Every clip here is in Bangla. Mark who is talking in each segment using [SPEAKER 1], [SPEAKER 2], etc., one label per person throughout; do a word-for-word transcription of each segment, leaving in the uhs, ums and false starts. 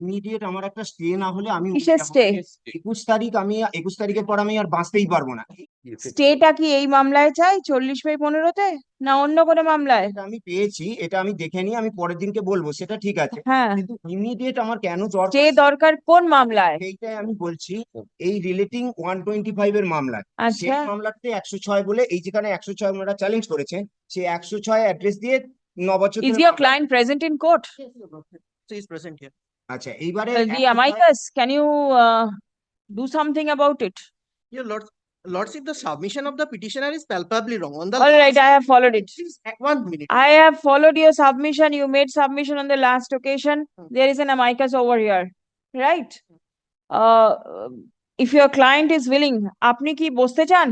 [SPEAKER 1] ইমিডিয়েট আমার একটা স্টে না হলে আমি
[SPEAKER 2] কিসের স্টে?
[SPEAKER 1] একুশ তারিখ আমি একুশ তারিখের পর আমি আর বাঁচতেই পারবো না।
[SPEAKER 2] স্টেটা কি এই মামলায় চাই চল্লিশ বাই পনেরোতে, না অন্য কোনো মামলায়?
[SPEAKER 1] এটা আমি পেয়েছি, এটা আমি দেখে নিয়ে আমি পরের দিনকে বলবো, সেটা ঠিক আছে,
[SPEAKER 2] হ্যাঁ,
[SPEAKER 1] কিন্তু ইমিডিয়েট আমার কেন
[SPEAKER 2] স্টে
[SPEAKER 1] দরকার
[SPEAKER 2] দরকার কোন মামলায়?
[SPEAKER 1] সেইটাই আমি বলছি। এই রিলেটিং ওয়ান টোয়েন্টি ফাইভ এর মামলায়, সেই
[SPEAKER 2] আচ্ছা,
[SPEAKER 1] মামলাতে একশো ছয় বলে, এই যেখানে একশো ছয় ওনারা চ্যালেঞ্জ করেছেন, সেই একশো ছয় অ্যাড্রেস দিয়ে ন বছর
[SPEAKER 2] is
[SPEAKER 1] ধরে
[SPEAKER 2] your
[SPEAKER 1] মামলা-
[SPEAKER 2] client present in court?
[SPEAKER 3] She is present here.
[SPEAKER 1] আচ্ছা এইবারে
[SPEAKER 2] Uh, the amicus, can you uh, do something about it?
[SPEAKER 3] Your Lord, Lordship, the submission of the petitioner is palpably wrong. On the
[SPEAKER 2] All right, I have followed it.
[SPEAKER 3] Please, one minute.
[SPEAKER 2] I have followed your submission. You made submission on the last occasion. There is an amicus over here, right? Uh, if your client is willing, আপনি কি বসতে চান?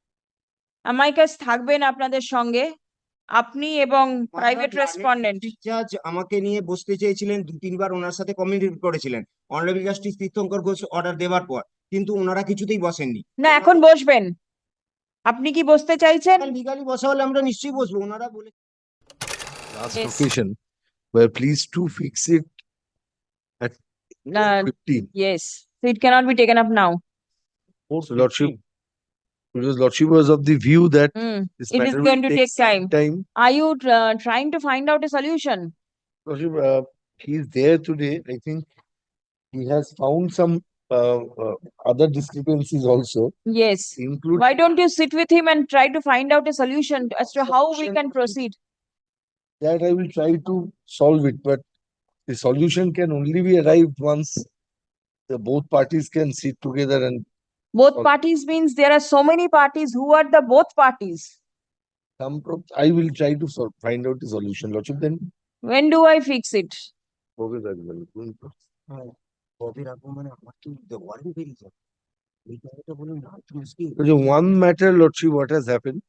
[SPEAKER 2] amicus থাকবেন আপনাদের সঙ্গে, আপনি এবং প্রাইভেট রেসপন্ডেন্ট।
[SPEAKER 1] জাজ আমাকে নিয়ে বসতে চেয়েছিলেন, দু তিনবার ওনার সাথে কমিউনিকেট করেছিলেন honourable justice Tirthankar Ghosh order দেওয়ার পর, কিন্তু ওনারা কিছুতেই বসেননি।
[SPEAKER 2] না, এখন বসবেন। আপনি কি বসতে চাইছেন?
[SPEAKER 1] লিগালি বসা হলে আমরা নিশ্চয়ই বসবো, ওনারা বলে।
[SPEAKER 4] Last
[SPEAKER 2] Yes.
[SPEAKER 4] occasion, we're pleased to fix it at
[SPEAKER 2] Uh,
[SPEAKER 4] fifteen.
[SPEAKER 2] yes, so it cannot be taken up now.
[SPEAKER 4] So Lordship, because Lordship was of the view that
[SPEAKER 2] Hmm.
[SPEAKER 4] this
[SPEAKER 2] It is
[SPEAKER 4] matter
[SPEAKER 2] going
[SPEAKER 4] will
[SPEAKER 2] to
[SPEAKER 4] take
[SPEAKER 2] take time.
[SPEAKER 4] some time.
[SPEAKER 2] Are you uh, trying to find out a solution?
[SPEAKER 4] Lordship, uh, he is there today. I think he has found some uh, uh, other discrepancies also,
[SPEAKER 2] Yes.
[SPEAKER 4] including
[SPEAKER 2] Why don't you sit with him and try to find out a solution as to how we can proceed?
[SPEAKER 4] that I will try to solve it, but the solution can only be arrived once the both parties can sit together and
[SPEAKER 2] Both
[SPEAKER 4] Sol-
[SPEAKER 2] parties means there are so many parties. Who are the both parties?
[SPEAKER 4] come. pro- I will try to sol- find out the solution. Lordship, then.
[SPEAKER 2] When do I fix it?
[SPEAKER 4] Okay, that will.
[SPEAKER 1] কবে রাখবো মানে আমার কি ওয়ারেন্ট বেরিয়ে যাবে, এই কথাটা বলুন না, একটু মুশকিল।
[SPEAKER 4] So, one matter, Lordship, what has happened?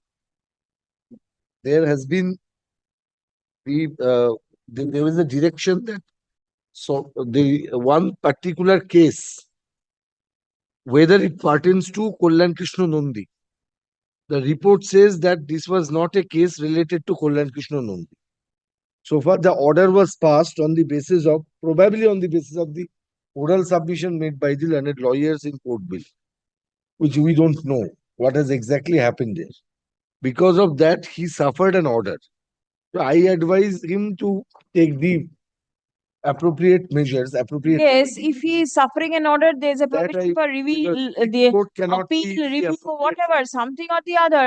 [SPEAKER 4] There has been the uh, the- there is a direction that so the one particular case, whether it pertains to Kollan Krishna Nandi, the report says that this was not a case related to Kollan Krishna Nandi. So far, the order was passed on the basis of probably on the basis of the oral submission made by the learned lawyers in court bill, which we don't know what has exactly happened there. Because of that, he suffered an order. So I advise him to take the appropriate measures, appropriate.
[SPEAKER 2] Yes, if he is suffering an order, there is a
[SPEAKER 4] That
[SPEAKER 2] provision
[SPEAKER 4] I-
[SPEAKER 2] for review,
[SPEAKER 4] because
[SPEAKER 2] uh, the
[SPEAKER 4] court cannot be
[SPEAKER 2] appeal,
[SPEAKER 4] the
[SPEAKER 2] review,
[SPEAKER 4] appropriate-
[SPEAKER 2] whatever, something or the other.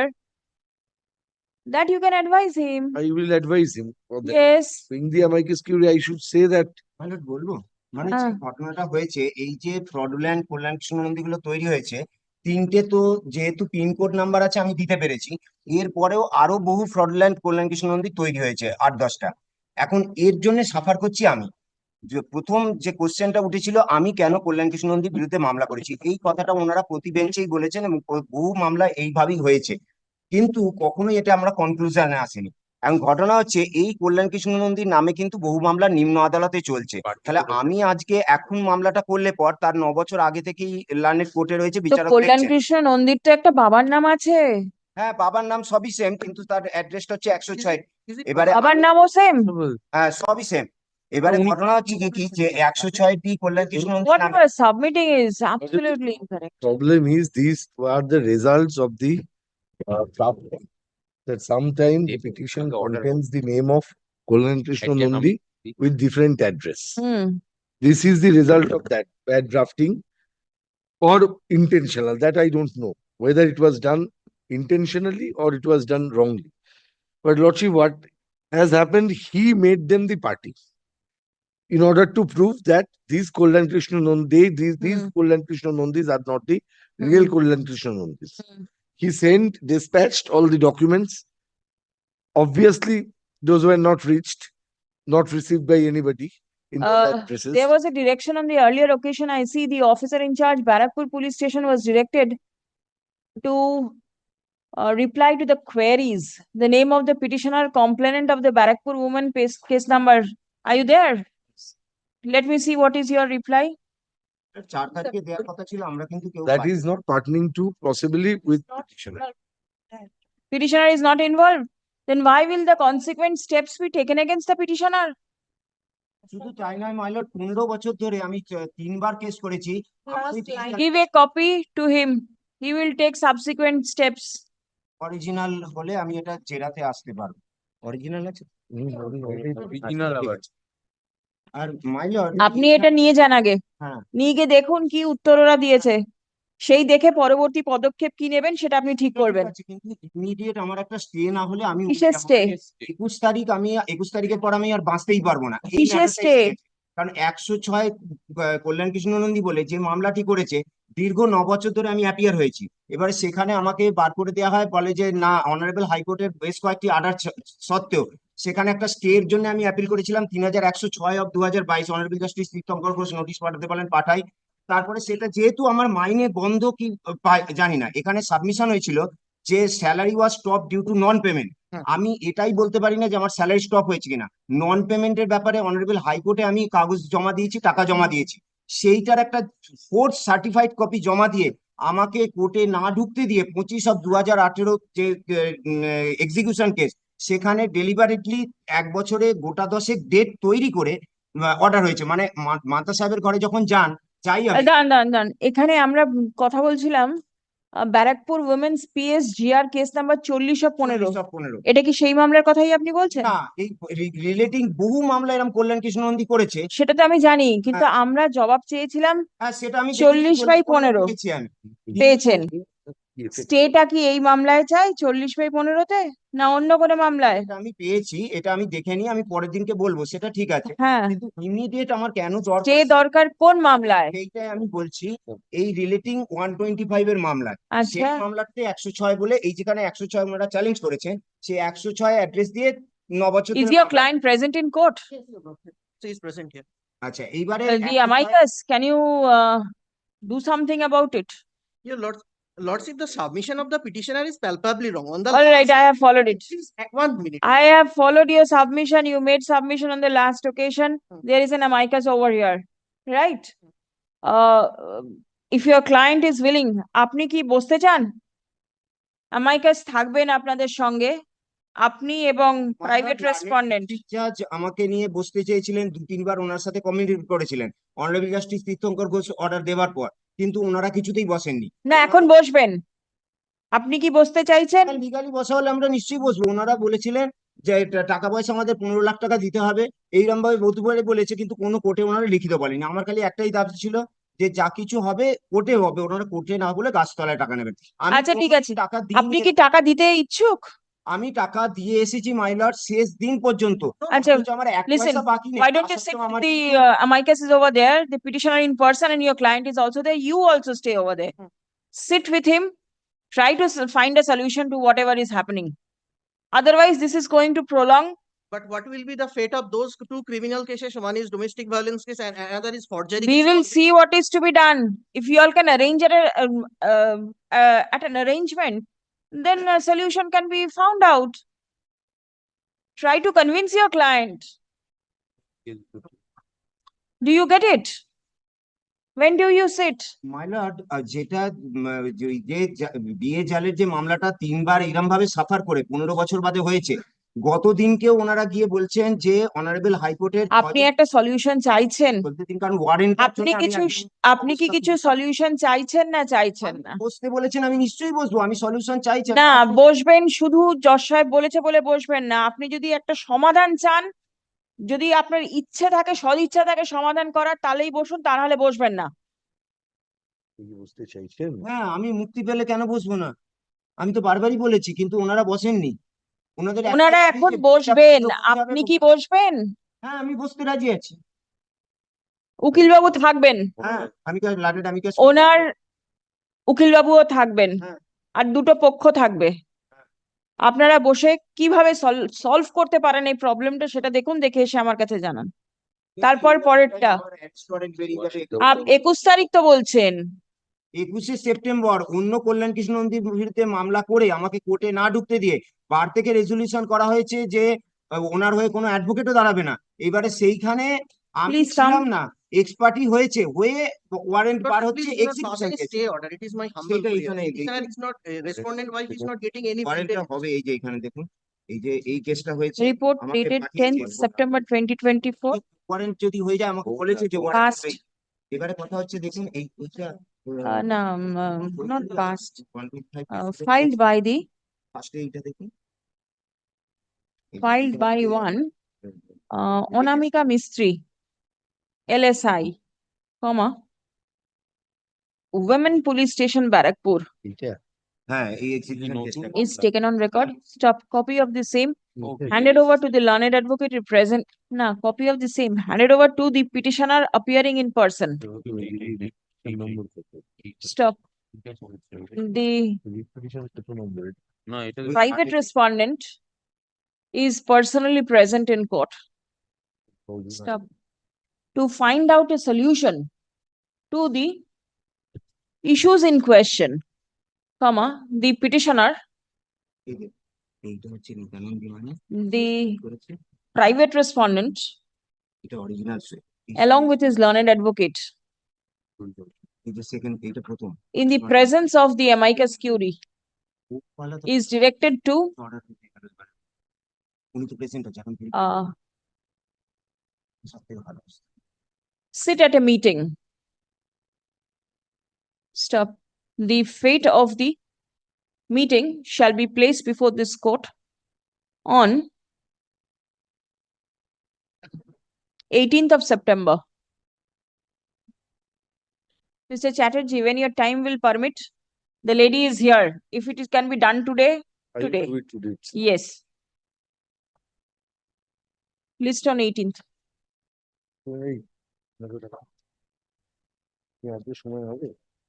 [SPEAKER 2] That you can advise him.
[SPEAKER 4] I will advise him for that.
[SPEAKER 2] Yes.
[SPEAKER 4] In the amicus curiae, I should say that
[SPEAKER 1] মানে বলবো, মানে যে
[SPEAKER 2] হ্যাঁ।
[SPEAKER 1] ঘটনাটা হয়েছে, এই যে ফ্রডুল্যান্ড কল্যাণ কৃষ্ণ নন্দী গুলো তৈরি হয়েছে, তিনটে তো যেহেতু পিনকোড নাম্বার আছে আমি দিতে পেরেছি, এরপরেও আরো বহু ফ্রডুল্যান্ড কল্যাণ কৃষ্ণ নন্দী তৈরি হয়েছে, আট দশটা। এখন এর জন্য সাফার করছি আমি। যে প্রথম যে কোশ্চেনটা উঠেছিল, আমি কেন কল্যাণ কৃষ্ণ নন্দীর বিরুদ্ধে মামলা করেছি, এই কথাটা ওনারা প্রতি বেঞ্চেই বলেছেন এবং বহু মামলা এইভাবেই হয়েছে, কিন্তু কখনোই এটা আমরা কনক্লুশনে আসেনি। এখন ঘটনা হচ্ছে, এই কল্যাণ কৃষ্ণ নন্দীর নামে কিন্তু বহু মামলা নিম্ন আদালতে চলছে। তাহলে আমি আজকে এখন মামলাটা করলে পর তার ন বছর আগে থেকেই লার্নেড কোর্টে রয়েছে,
[SPEAKER 2] তো
[SPEAKER 1] বিচারক
[SPEAKER 2] কল্যাণ
[SPEAKER 1] দেখছেন।
[SPEAKER 2] কৃষ্ণ নন্দীর তো একটা বাবার নাম আছে।
[SPEAKER 1] হ্যাঁ, বাবার নাম সবই সেম, কিন্তু তার অ্যাড্রেসটা হচ্ছে একশো ছয়।
[SPEAKER 3] Is it
[SPEAKER 1] এবারে
[SPEAKER 2] বাবার নামও সেম।
[SPEAKER 1] হ্যাঁ সবই সেম। এবারে
[SPEAKER 4] উনি-
[SPEAKER 1] ঘটনা হচ্ছে কি কি যে একশো ছয়টি কল্যাণ কৃষ্ণ নন্দীর
[SPEAKER 2] What
[SPEAKER 1] নামে
[SPEAKER 2] you are submitting is absolutely incorrect.
[SPEAKER 4] problem is these are the results of the uh, draft. That sometimes the petition contains the name of Kollan Krishna Nandi with different address.
[SPEAKER 2] Hmm.
[SPEAKER 4] This is the result of that bad drafting or intentional. That I don't know whether it was done intentionally or it was done wrongly. But Lordship, what has happened, he made them the party in order to prove that these Kollan Krishna Nandi, these, these
[SPEAKER 2] Hmm.
[SPEAKER 4] Kollan Krishna Nandis are not the real
[SPEAKER 2] Hmm.
[SPEAKER 4] Kollan Krishna Nandis.
[SPEAKER 2] Hmm.
[SPEAKER 4] He sent, dispatched all the documents. Obviously, those were not reached, not received by anybody in those
[SPEAKER 2] Uh,
[SPEAKER 4] addresses.
[SPEAKER 2] There was a direction on the earlier occasion. I see the officer in charge, Barakpur Police Station, was directed to uh, reply to the queries. The name of the petitioner, complainant of the Barakpur woman, case, case number. Are you there? Let me see what is your reply.
[SPEAKER 1] চার তারিখে দেওয়ার কথা ছিল, আমরা কিন্তু কেউ
[SPEAKER 4] That
[SPEAKER 1] পাইনি।
[SPEAKER 4] is not pertaining to possibly with
[SPEAKER 2] Not
[SPEAKER 4] petitioner.
[SPEAKER 2] Petitioner is not involved. Then why will the consequent steps be taken against the petitioner?
[SPEAKER 1] শুধু তাই নয় মাইলর, পনেরো বছর ধরে আমি চ- তিনবার কেস করেছি।
[SPEAKER 2] Give a copy to him. He will take subsequent steps.
[SPEAKER 1] Original হলে আমি এটা জেরাতে আসতে পারবো। অরিজিনাল আছে?
[SPEAKER 4] Original আবার।
[SPEAKER 1] আর মাইলর,
[SPEAKER 2] আপনি এটা নিয়ে যান আগে,
[SPEAKER 1] হ্যাঁ
[SPEAKER 2] নিয়ে গিয়ে দেখুন কি উত্তর ওরা দিয়েছে, সেই দেখে পরবর্তী পদক্ষেপ কি নেবেন সেটা আপনি ঠিক করবেন।
[SPEAKER 1] ঠিক আছে, কিন্তু ইমিডিয়েট আমার একটা স্টে না হলে আমি
[SPEAKER 2] কিসের stay?
[SPEAKER 1] একুশ তারিখ আমি একুশ তারিখের পর আমি আর বাঁচতেই পারবো না। এই
[SPEAKER 2] কিসের
[SPEAKER 1] matter টাই
[SPEAKER 2] stay?
[SPEAKER 1] এসেছে। কারণ একশো ছয় আহ, কল্যাণ কৃষ্ণ নন্দী বলে যে মামলাটি করেছে, দীর্ঘ ন বছর ধরে আমি অ্যাপিয়ার হয়েছি। এবারে সেখানে আমাকে বার করে দেওয়া হয়, বলে যে না, অনারেবল হাইকোর্টের বেশ কয়েকটি অর্ডার সত্ত্বেও সেখানে একটা স্টে এর জন্য আমি অ্যাপিল করেছিলাম তিন হাজার একশো ছয় অফ দু হাজার বাইশ honourable justice Tirthankar Ghosh notice পাঠাতে বলেন, পাঠাই। তারপরে সেটা যেহেতু আমার মাইনে বন্ধ কি পাই- জানি না, এখানে সাবমিশন হয়েছিল যে salary was stop due to non payment.
[SPEAKER 3] Hmm.
[SPEAKER 1] আমি এটাই বলতে পারি না যে আমার স্যালারি স্টপ হয়েছে কিনা। নন পেমেন্টের ব্যাপারে অনারেবল হাইকোর্টে আমি কাগজ জমা দিয়েছি, টাকা জমা দিয়েছি। সেইটার একটা ফোর্থ সার্টিফাইড কপি জমা দিয়ে আমাকে কোর্টে না ঢুকতে দিয়ে পঁচিশ অফ দু হাজার আঠেরো যে এক্সিকিউশন কেস, সেখানে ডেলিভারেটলি এক বছরে গোটা দশেক ডেট তৈরি করে অর্ডার হয়েছে। মানে মা- মাতা সাহেবের ঘরে যখন যান, যাই আমি,
[SPEAKER 2] দাঁড়ান দাঁড়ান দাঁড়ান, এখানে আমরা কথা বলছিলাম ah, Barrackpore women's PS GR case number চল্লিশ পনেরো,
[SPEAKER 1] চল্লিশ of পনেরো।
[SPEAKER 2] এটা কি সেই মামলার কথাই আপনি বলছেন?
[SPEAKER 1] না, এই রিলেটিং বহু মামলা এরকম কল্যাণ কৃষ্ণ নন্দী করেছে।
[SPEAKER 2] সেটা তো আমি জানি, কিন্তু আমরা জবাব চেয়েছিলাম,
[SPEAKER 1] হ্যাঁ, সেটা আমি
[SPEAKER 2] চল্লিশ বাই পনেরো
[SPEAKER 1] পেয়েছি আমি।
[SPEAKER 2] পেয়েছেন। স্টেটা কি এই মামলায় চাই চল্লিশ বাই পনেরোতে, না অন্য কোনো মামলায়?
[SPEAKER 1] এটা আমি পেয়েছি, এটা আমি দেখে নিই, আমি পরের দিনকে বলবো, সেটা ঠিক আছে।
[SPEAKER 2] হ্যাঁ,
[SPEAKER 1] কিন্তু ইমিডিয়েট আমার কেন
[SPEAKER 2] স্টে
[SPEAKER 1] দরকার
[SPEAKER 2] দরকার কোন মামলায়?
[SPEAKER 1] সেইটাই আমি বলছি। এই রিলেটিং ওয়ান টোয়েন্টি ফাইভ এর মামলা, সেই
[SPEAKER 2] আচ্ছা,
[SPEAKER 1] মামলাতে একশো ছয় বলে, এই যেখানে একশো ছয় ওনারা চ্যালেঞ্জ করেছেন, সেই একশো ছয় অ্যাড্রেস দিয়ে ন বছর
[SPEAKER 2] is
[SPEAKER 1] ধরে
[SPEAKER 2] your
[SPEAKER 1] মামলা-
[SPEAKER 2] client present in court?
[SPEAKER 3] So he's present here.
[SPEAKER 1] আচ্ছা, এইবারে
[SPEAKER 2] Uh, the amicus, can you uh, do something about it?
[SPEAKER 3] Your lords, lordship, the submission of the petitioner is palpably wrong on the.
[SPEAKER 2] All right, I have followed it.
[SPEAKER 3] Please, uh, one minute.
[SPEAKER 2] I have followed your submission. You made submission on the last occasion.
[SPEAKER 3] Hmm.
[SPEAKER 2] There is an amicus over here, right? Uh, if your client is willing, আপনি কি বসতে চান? amicus থাকবেন আপনাদের সঙ্গে, আপনি এবং প্রাইভেট রেসপন্ডেন্ট।
[SPEAKER 1] জাজ আমাকে নিয়ে বসতে চেয়েছিলেন, দু তিনবার ওনার সাথে কমিউনিকেট করেছিলেন honourable justice Tirthankar Ghosh order দেওয়ার পর, কিন্তু ওনারা কিছুতেই বসেননি।
[SPEAKER 2] না, এখন বসবেন। আপনি কি বসতে চাইছেন?
[SPEAKER 1] লিগালি বসা হলে আমরা নিশ্চয়ই বসবো। ওনারা বলেছিলেন যে টা- টাকা পয়সা আমাদের পনেরো লাখ টাকা দিতে হবে, এইরকম ভাবে বহুতবারে বলেছে, কিন্তু কোনো কোর্টে ওনারা লিখিত বলেনি। আমার খালি একটাই দাবি ছিল যে যা কিছু হবে কোর্টে হবে, ওনারা কোর্টে না বলে গাছতলায় টাকা নেবেন। আমি
[SPEAKER 2] আচ্ছা, ঠিক
[SPEAKER 1] কোনোদিন
[SPEAKER 2] আছে।
[SPEAKER 1] টাকা
[SPEAKER 2] আপনি
[SPEAKER 1] দিইনি।
[SPEAKER 2] কি টাকা দিতে ইচ্ছুক?
[SPEAKER 1] আমি টাকা দিয়ে এসেছি মাইলর শেষ দিন পর্যন্ত,
[SPEAKER 2] আচ্ছা,
[SPEAKER 1] অথচ আমার এক
[SPEAKER 2] listen,
[SPEAKER 1] পয়সা বাকি নেই।
[SPEAKER 2] why
[SPEAKER 1] তা
[SPEAKER 2] don't you sit
[SPEAKER 1] সত্ত্বেও
[SPEAKER 2] with
[SPEAKER 1] আমার
[SPEAKER 2] the uh, amicus is over there, the petitioner in person, and your client is also there. You also stay over there.
[SPEAKER 3] Hmm.
[SPEAKER 2] Sit with him. Try to s- find a solution to whatever is happening. Otherwise, this is going to prolong.
[SPEAKER 3] But what will be the fate of those two criminal cases? One is domestic violence case and another is forgery.
[SPEAKER 2] We
[SPEAKER 3] case.
[SPEAKER 2] will see what is to be done. If you all can arrange at, a, um, um, uh, at an arrangement, then a solution can be found out. Try to convince your client. Do you get it? When do you sit?
[SPEAKER 1] My lord, যেটা উম, যে যে জা- বিয়ে জালের যে মামলাটা তিনবার এরম ভাবে সাফার করে পনেরো বছর বাদে হয়েছে, গতদিনকেও ওনারা গিয়ে বলছেন যে অনারেবল হাইকোর্টের
[SPEAKER 2] আপনি একটা সলিউশন চাইছেন?
[SPEAKER 1] বলতে দিন, কারণ ওয়ারেন্ট
[SPEAKER 2] আপনি কিছু আপনি কি কিছু সলিউশন চাইছেন না চাইছেন না?
[SPEAKER 1] বসতে বলেছেন, আমি নিশ্চয়ই বসবো, আমি সলিউশন চাইছি।
[SPEAKER 2] না, বসবেন, শুধু জজ সাহেব বলেছে বলে বসবেন না। আপনি যদি একটা সমাধান চান, যদি আপনার ইচ্ছে থাকে, সদিচ্ছা থাকে সমাধান করার, তাহলেই বসুন, তা নাহলে বসবেন না।
[SPEAKER 4] বুঝতে চাইছেন?
[SPEAKER 1] হ্যাঁ, আমি মুক্তি পেলে কেন বসবো না? আমি তো বারবারই বলেছি, কিন্তু ওনারা বসেননি। ওনাদের একটাই
[SPEAKER 2] ওনারা
[SPEAKER 1] দাবি
[SPEAKER 2] এখন
[SPEAKER 1] যে
[SPEAKER 2] বসবেন,
[SPEAKER 1] বিচারপতি হবে,
[SPEAKER 2] আপনি কি বসবেন?
[SPEAKER 1] হ্যাঁ, আমি বসতে রাজি আছি।
[SPEAKER 2] উকিলবাবু থাকবেন,
[SPEAKER 1] হ্যাঁ, আমি কি লাডেড আমি কি
[SPEAKER 2] ওনার উকিলবাবুও থাকবেন,
[SPEAKER 1] হ্যাঁ।
[SPEAKER 2] আর দুটো পক্ষ থাকবে। আপনারা বসে কিভাবে সলভ করতে পারেন এই প্রবলেমটা, সেটা দেখুন, দেখে এসে আমার কাছে জানান। তারপর পরেরটা। আপ একুশ তারিখ তো বলছেন।
[SPEAKER 1] একুশে সেপ্টেম্বর অন্য কল্যাণ কৃষ্ণ নন্দীর বিরুদ্ধে মামলা করে আমাকে কোর্টে না ঢুকতে দিয়ে বার থেকে রেজলিউশন করা হয়েছে যে আহ, ওনার হয়ে কোনো অ্যাডভোকেটও দাঁড়াবে না। এবারে সেইখানে আমি
[SPEAKER 2] Please come.
[SPEAKER 1] ছিলাম না, এক্সপার্টি হয়েছে, হয়ে ওয়ারেন্ট
[SPEAKER 3] But
[SPEAKER 1] বার
[SPEAKER 3] please
[SPEAKER 1] হচ্ছে
[SPEAKER 3] do not pass
[SPEAKER 1] execution
[SPEAKER 3] any
[SPEAKER 1] case.
[SPEAKER 3] stay order. It is my humble
[SPEAKER 1] সেটা
[SPEAKER 3] prayer.
[SPEAKER 1] এখানে এই-
[SPEAKER 3] Petitioner is not, uh, respondent wife is not getting any.
[SPEAKER 1] ওয়ারেন্টটা
[SPEAKER 3] feedback.
[SPEAKER 1] হবে, এই যে এখানে দেখুন, এই যে এই কেসটা হয়েছে
[SPEAKER 2] রিপোর্ট
[SPEAKER 1] আমাকে
[SPEAKER 2] ডেটেড
[SPEAKER 1] পাঠিয়েছে।
[SPEAKER 2] Tenth September twenty twenty four.
[SPEAKER 1] Warrant যদি হয়ে যায় আমাকে
[SPEAKER 4] Oh,
[SPEAKER 1] বলেছে যে
[SPEAKER 4] yeah.
[SPEAKER 1] Warrant
[SPEAKER 2] Past.
[SPEAKER 1] হবে। এবারে কথা হচ্ছে দেখুন এই এইটা
[SPEAKER 2] Uh, no, um, um, not past,
[SPEAKER 1] one twenty five
[SPEAKER 2] uh, filed by the,
[SPEAKER 1] ফার্স্টে এইটা দেখুন
[SPEAKER 2] filed by one, uh, Onamika Mistry, L S I, comma, Women Police Station Barakpur
[SPEAKER 4] এইটা?
[SPEAKER 1] হ্যাঁ এই এক্সিকিউশন
[SPEAKER 5] note
[SPEAKER 1] কেসটা
[SPEAKER 2] is taken on record. Stop. Copy of the same
[SPEAKER 5] Okay.
[SPEAKER 2] handed over to the learned advocate present. Na, copy of the same handed over to the petitioner appearing in person.
[SPEAKER 4] Number কত?
[SPEAKER 2] Stop. The
[SPEAKER 4] Reputation কত নম্বর?
[SPEAKER 5] না এটা
[SPEAKER 2] private respondent is personally present in court. Stop. To find out a solution to the issues in question, comma, the petitioner,
[SPEAKER 1] এই যে, এইটা হচ্ছে নিত্যানন্দ বিমানে
[SPEAKER 2] the
[SPEAKER 1] করেছে
[SPEAKER 2] private respondent,
[SPEAKER 1] এটা original
[SPEAKER 2] along with his learned advocate,
[SPEAKER 1] এই যে সেকেন্ড এইটা প্রথম
[SPEAKER 2] in the presence of the amicus curiae,
[SPEAKER 1] ওয়ালা তো
[SPEAKER 2] is directed to
[SPEAKER 1] অর্ডার দিতে গেল এবারে। উনি তো প্রেসিডেন্ট আছে এখন
[SPEAKER 2] uh,
[SPEAKER 1] সব থেকে ভালো
[SPEAKER 2] sit at a meeting. Stop. The fate of the meeting shall be placed before this court on eighteenth of September. Mister Chatterjee, when your time will permit, the lady is here. If it is, can be done today,
[SPEAKER 4] I will
[SPEAKER 2] Today.
[SPEAKER 4] do it today.
[SPEAKER 2] yes. List on eighteenth.
[SPEAKER 4] এই, দেখো দেখো। কি আজকে সময় হবে?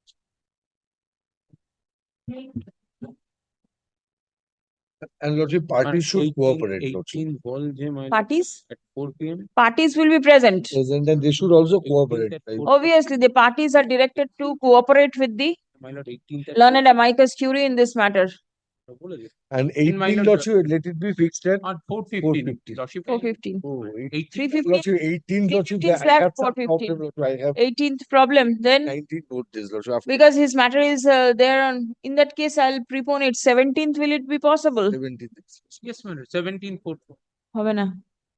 [SPEAKER 4] And Lordship, parties should cooperate, Lordship.
[SPEAKER 5] eighteen ball game I-
[SPEAKER 2] Parties,
[SPEAKER 5] at four P M.
[SPEAKER 2] parties will be present.
[SPEAKER 4] Present and they should also cooperate.
[SPEAKER 5] eighteenth at
[SPEAKER 4] right?
[SPEAKER 5] four
[SPEAKER 2] Obviously, the parties are directed to cooperate with the
[SPEAKER 5] My lord, eighteenth at
[SPEAKER 2] learned amicus curiae in this matter.
[SPEAKER 5] four-
[SPEAKER 4] And
[SPEAKER 5] In
[SPEAKER 4] eighteen,
[SPEAKER 5] minor-
[SPEAKER 4] Lordship, let it be fixed at
[SPEAKER 5] At four
[SPEAKER 4] four
[SPEAKER 5] fifteen.
[SPEAKER 4] fifty.
[SPEAKER 5] Lordship,
[SPEAKER 2] Four fifteen.
[SPEAKER 4] Oh, eight-
[SPEAKER 5] eighteen.
[SPEAKER 2] Three fifteen,
[SPEAKER 4] Lordship, eighteen, Lordship,
[SPEAKER 2] fifteen
[SPEAKER 4] I
[SPEAKER 2] slash
[SPEAKER 4] have some
[SPEAKER 2] four fifteen.
[SPEAKER 4] problem, Lordship. I have
[SPEAKER 2] eighteenth problem, then
[SPEAKER 4] nineteen note this, Lordship. After
[SPEAKER 2] because his matter is uh, there on, in that case, I'll prepone it. seventeenth, will it be possible?
[SPEAKER 4] seventeen.
[SPEAKER 5] Yes, my lord, seventeen four.
[SPEAKER 2] হবে না।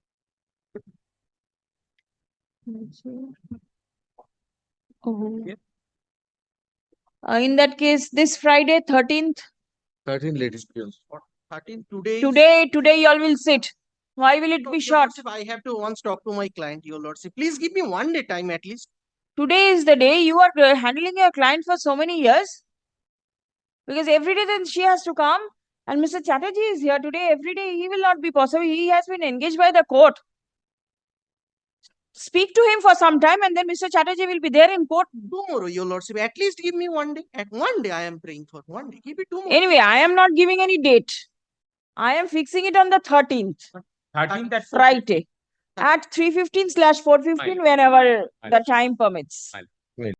[SPEAKER 2] Oh.
[SPEAKER 5] Yep.
[SPEAKER 2] Uh, in that case, this Friday, thirteenth,
[SPEAKER 4] Thirteen, ladies.
[SPEAKER 3] Thirteen today. is-
[SPEAKER 2] today, today y'all will sit. Why will it
[SPEAKER 3] No,
[SPEAKER 2] be
[SPEAKER 3] Your
[SPEAKER 2] short?
[SPEAKER 3] Lordship, I have to once talk to my client, your lordship. Please give me one day time at least.
[SPEAKER 2] Today is the day you are uh, handling your client for so many years. Because every day then she has to come and Mister Chatterjee is here today. Every day he will not be possible. He has been engaged by the court. Speak to him for some time and then Mister Chatterjee will be there in court.
[SPEAKER 3] Tomorrow, your lordship. At least give me one day. At one day I am praying for. One day. Keep it tomorrow.
[SPEAKER 2] Anyway, I am not giving any date. I am fixing it on the thirteenth,
[SPEAKER 5] Thirteenth at four
[SPEAKER 2] Friday, at three fifteen slash four fifteen, whenever the
[SPEAKER 5] Fine.
[SPEAKER 2] time permits.
[SPEAKER 5] Fine.